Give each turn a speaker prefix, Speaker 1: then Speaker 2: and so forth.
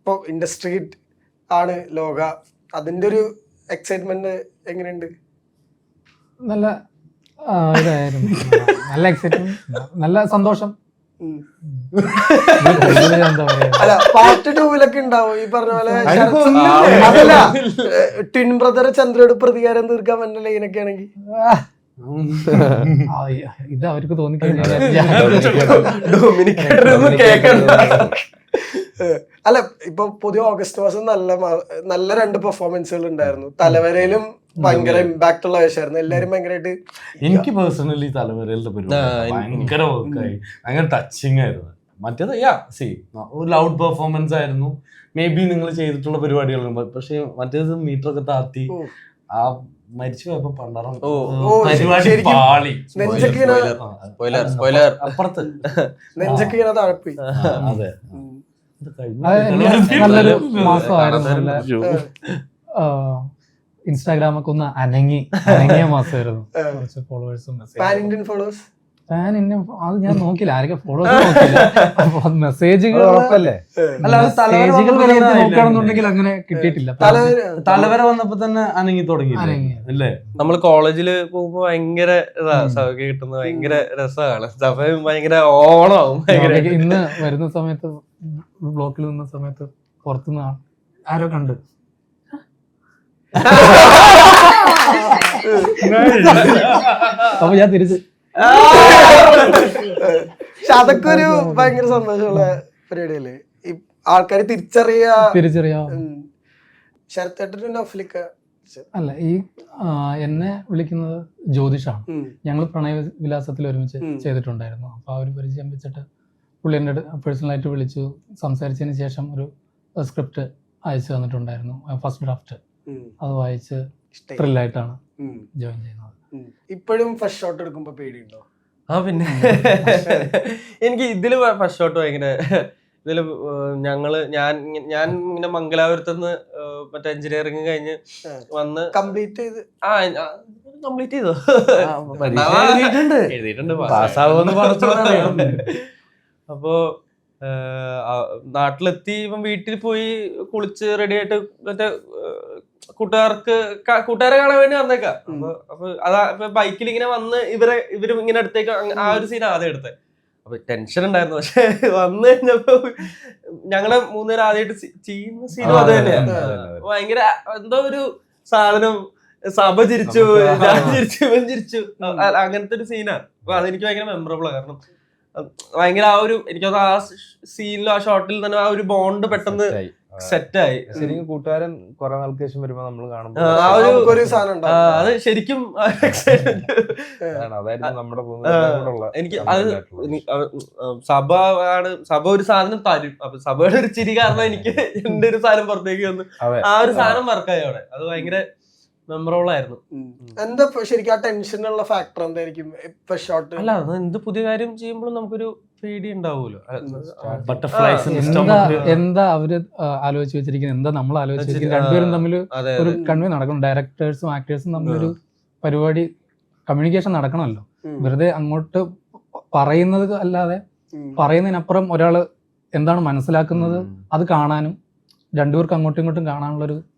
Speaker 1: ഇപ്പൊ ഇൻഡസ്ട്രി ആണ് ലോക, അതിന്റെ ഒരു എക്സൈറ്റ്മെന്റ് എങ്ങനെയുണ്ട്?
Speaker 2: നല്ല ഇതായിരുന്നു, നല്ല എക്സൈറ്റ്മെന്റ്, നല്ല സന്തോഷം. എന്താ പറയാ,
Speaker 1: അല്ല പാർട്ട് 2 ഉണ്ടാവും ഈ പറഞ്ഞ പോലെ. അതല്ല, ട്വിൻ ബ്രദർ ചന്ദ്രയോട് പ്രതികാരം തീർക്കാൻ പറ്റുന്ന ലൈനൊക്കെ ആണെങ്കിൽ
Speaker 2: ഇത് അവർക്ക് തോന്നിക്കഴിഞ്ഞാൽ
Speaker 1: അല്ല ഇപ്പൊ പുതിയ ഓഗസ്റ്റ് മാസം നല്ല 2 പെർഫോമൻസുകൾ ഉണ്ടായിരുന്നു. തലവരയിലും ഭയങ്കര ഇമ്പാക്ട് ഉള്ള വേഷമായിരുന്നു. എല്ലാരും ഭയങ്കരമായിട്ട്,
Speaker 3: എനിക്ക് പേഴ്സണലി തലവരയിലത്തെ പരിപാടി ഭയങ്കര വർക്കായി, ഭയങ്കര ടച്ചിങ് ആയിരുന്നു. മറ്റേത് ഒരു ലൗഡ് പെർഫോമൻസ് ആയിരുന്നു. മേ ബി നിങ്ങൾ ചെയ്തിട്ടുള്ള പരിപാടികളുണ്ട്, പക്ഷെ മറ്റേത് മീറ്റർ ഒക്കെ താത്തി ആ മരിച്ചു പോയപ്പോ പണ്ടാറം പരിപാടി പാളി, അപ്പുറത്ത്
Speaker 1: നെഞ്ചൊക്കെ ഇങ്ങനെ താഴെപ്പോയി.
Speaker 3: അതെ,
Speaker 2: നല്ലൊരു മാസമായിരുന്നു. ഇൻസ്റ്റാഗ്രാമൊക്കെ ഒന്ന് അനങ്ങിയ മാസമായിരുന്നു. കുറച്ച് ഫോളോവേഴ്സും അത് ഞാൻ നോക്കില്ല, ആരൊക്കെ ഫോളോവേഴ്സ് നോക്കില്ല. മെസ്സേജുകൾ നോക്കുകയാണെന്നുണ്ടെങ്കിൽ അങ്ങനെ കിട്ടിയിട്ടില്ല.
Speaker 3: തലവര വന്നപ്പോ തന്നെ അനങ്ങി തുടങ്ങി അല്ലേ?
Speaker 4: നമ്മള് കോളേജില് പോകുമ്പോ ഭയങ്കര സൗകര്യം കിട്ടുന്നത് ഭയങ്കര രസമാണ്. സമയം ഭയങ്കര ഓണാവും.
Speaker 2: ഇന്ന് വരുന്ന സമയത്ത്, ബ്ലോക്കിൽ നിന്ന സമയത്ത് പുറത്തുനിന്ന് ആരോ കണ്ട് അപ്പൊ ഞാൻ തിരിച്ച്.
Speaker 1: പക്ഷെ അതൊക്കെ ഒരു ഭയങ്കര സന്തോഷമുള്ള പരിപാടിയല്ലേ, ഈ ആൾക്കാര് തിരിച്ചറിയാ. ശരത്തേട്ടനും നൗഫലിക്ക
Speaker 2: അല്ല, ഈ എന്നെ വിളിക്കുന്നത് ജ്യോതിഷാണ്. ഞങ്ങൾ പ്രണയവിലാസത്തിൽ ഒരുമിച്ച് ചെയ്തിട്ടുണ്ടായിരുന്നു. അപ്പൊ ആ ഒരു പരിചയം വെച്ചിട്ട് പുള്ളി എൻ്റെ പേഴ്സണലായിട്ട് വിളിച്ചു, സംസാരിച്ചതിന് ശേഷം ഒരു സ്ക്രിപ്റ്റ് അയച്ചു തന്നിട്ടുണ്ടായിരുന്നു, ഫസ്റ്റ് ഡ്രാഫ്റ്റ്. അത് വായിച്ച് ത്രില്ലായിട്ടാണ് ജോയിൻ ചെയ്യുന്നത്.
Speaker 1: ഇപ്പോഴും ഫസ്റ്റ് ഷോട്ട് എടുക്കുമ്പോ പേടിയുണ്ടോ?
Speaker 4: പിന്നെ എനിക്ക് ഇതില് ഫസ്റ്റ് ഷോട്ട് ഭയങ്കര, ഇതില് ഞാൻ ഇങ്ങനെ മംഗലാപുരത്തുനിന്ന് മറ്റേ എഞ്ചിനീയറിംഗ് കഴിഞ്ഞ് വന്ന്
Speaker 1: കംപ്ലീറ്റ് ചെയ്തു.
Speaker 4: എഴുതിയിട്ടുണ്ട്, പാസ്സാവുമെന്ന്. അപ്പോ നാട്ടിലെത്തി ഇപ്പം വീട്ടിൽ പോയി കുളിച്ച് റെഡി ആയിട്ട് മറ്റേ കൂട്ടുകാരെ കാണാൻ വേണ്ടി വന്നേക്കാം. അപ്പൊ അതാ ബൈക്കിൽ ഇങ്ങനെ വന്ന് ഇവരും ഇങ്ങനെ അടുത്തേക്ക്, ആ ഒരു സീൻ ആദ്യം എടുത്തത്. അപ്പൊ ടെൻഷൻ ഉണ്ടായിരുന്നു. പക്ഷെ വന്നു കഴിഞ്ഞപ്പോ ഞങ്ങളെ 3 പേര് ആദ്യമായിട്ട് ചെയ്യുന്ന സീനും അത് തന്നെയാണ്. ഭയങ്കര എന്തോ ഒരു സാധനം, സഭ ചിരിച്ചു, ഞാൻ ചിരിച്ചു, ഇവൻ ചിരിച്ചു, അങ്ങനത്തെ ഒരു സീനാണ്. അപ്പൊ അതെനിക്ക് ഭയങ്കര മെമ്മറബിൾ ആണ്. കാരണം ഭയങ്കര ആ ഒരു, എനിക്കത് ആ സീനിലും ആ ഷോട്ടിൽ തന്നെ ആ ഒരു ബോണ്ട് പെട്ടെന്ന് സെറ്റായി.
Speaker 5: ശരിക്കും കൂട്ടുകാരൻ കുറെ നാൾക്ക് ശേഷം വരുമ്പോ നമ്മൾ കാണുമ്പോൾ
Speaker 4: അത് ശരിക്കും എനിക്ക് അത് സഭ ഒരു സാധനം തരും. അപ്പൊ സഭയുടെ ഒരു ചിരി കാരണം എനിക്ക് എന്റെ ഒരു സാധനം പുറത്തേക്ക് വന്നു. ആ ഒരു സാധനം വർക്കായി അവിടെ. അത് ഭയങ്കര മെമ്മറബിൾ ആയിരുന്നു.
Speaker 1: എന്താ ശരിക്കും ആ ടെൻഷനുള്ള ഫാക്ടർ എന്തായിരിക്കും?
Speaker 4: അല്ല, അത് എന്ത് പുതിയ കാര്യം ചെയ്യുമ്പോഴും നമുക്കൊരു പേടി ഉണ്ടാവുമല്ലോ.
Speaker 2: എന്താ അവര് ആലോചിച്ച് വെച്ചിരിക്കുന്നത്, എന്താ നമ്മൾ ആലോചിച്ച് വെച്ചിരിക്കുന്നത്, രണ്ടുപേരും തമ്മിൽ ഒരു കൺവേ നടക്കണം. ഡയറക്ടേഴ്സും ആക്ടേഴ്സും തമ്മിലൊരു പരിപാടി, കമ്മ്യൂണിക്കേഷൻ നടക്കണമല്ലോ. വെറുതെ അങ്ങോട്ട് പറയുന്നത് അല്ലാതെ പറയുന്നതിനപ്പുറം ഒരാള് എന്താണ് മനസ്സിലാക്കുന്നത് അത് കാണാനും രണ്ടുപേർക്ക് അങ്ങോട്ടും ഇങ്ങോട്ടും കാണാനുള്ളൊരു